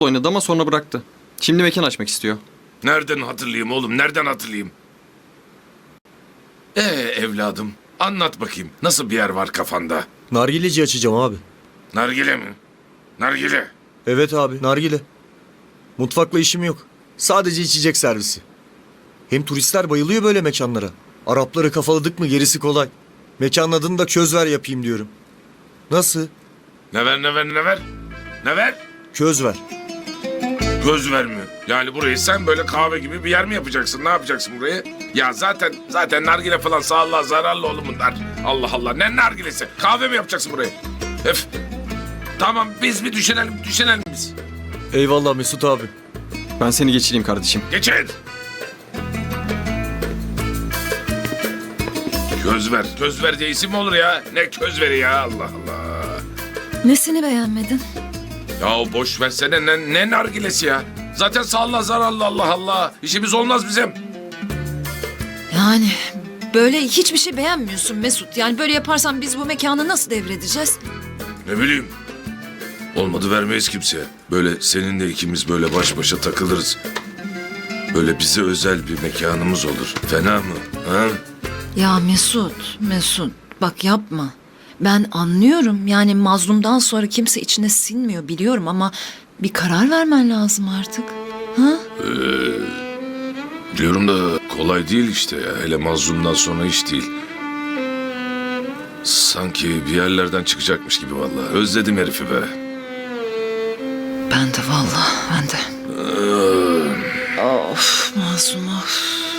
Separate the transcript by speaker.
Speaker 1: oynadı ama sonra bıraktı. Şimdi mekan açmak istiyor.
Speaker 2: Nereden hatırlayayım oğlum, nereden hatırlayayım? Evladım, anlat bakayım. Nasıl bir yer var kafanda?
Speaker 3: Nargileci açacağım abi.
Speaker 2: Nargile mi? Nargile.
Speaker 3: Evet abi, nargile. Mutfakla işim yok. Sadece içecek servisi. Hem turistler bayılıyor böyle mekanlara. Arapları kafaladık mı gerisi kolay. Mekanın adını da Közver yapayım diyorum. Nasıl?
Speaker 2: Ne ver, ne ver, ne ver? Ne ver?
Speaker 3: Közver.
Speaker 2: Göz ver mi? Yani burayı sen böyle kahve gibi bir yer mi yapacaksın? Ne yapacaksın burayı? Ya zaten nargile falan sağlığa zararlı oğlum bunlar. Allah Allah, ne nargilesi? Kahve mi yapacaksın burayı? Öf. Tamam, biz bir düşünelim biz.
Speaker 3: Eyvallah Mesut abi.
Speaker 1: Ben seni geçireyim kardeşim.
Speaker 2: Geçin. Köz ver diye isim mi olur ya? Ne köz veri ya, Allah Allah.
Speaker 4: Nesini beğenmedin?
Speaker 2: Ya boş versene, ne nargilesi ya? Zaten sağlığa zararlı, Allah Allah. İşimiz olmaz bizim.
Speaker 4: Yani böyle hiçbir şey beğenmiyorsun Mesut. Yani böyle yaparsan biz bu mekanı nasıl devredeceğiz?
Speaker 2: Ne bileyim. Olmadı vermeyiz kimseye. Böyle seninle ikimiz böyle baş başa takılırız. Böyle bize özel bir mekanımız olur. Fena mı? Ha?
Speaker 4: Ya Mesut bak yapma. Ben anlıyorum yani mazlumdan sonra kimse içine sinmiyor biliyorum ama bir karar vermen lazım artık. Ha?
Speaker 2: Biliyorum da kolay değil işte ya. Hele mazlumdan sonra iş değil. Sanki bir yerlerden çıkacakmış gibi vallahi. Özledim herifi be.
Speaker 4: Ben de vallahi ben de. Of mazlum of.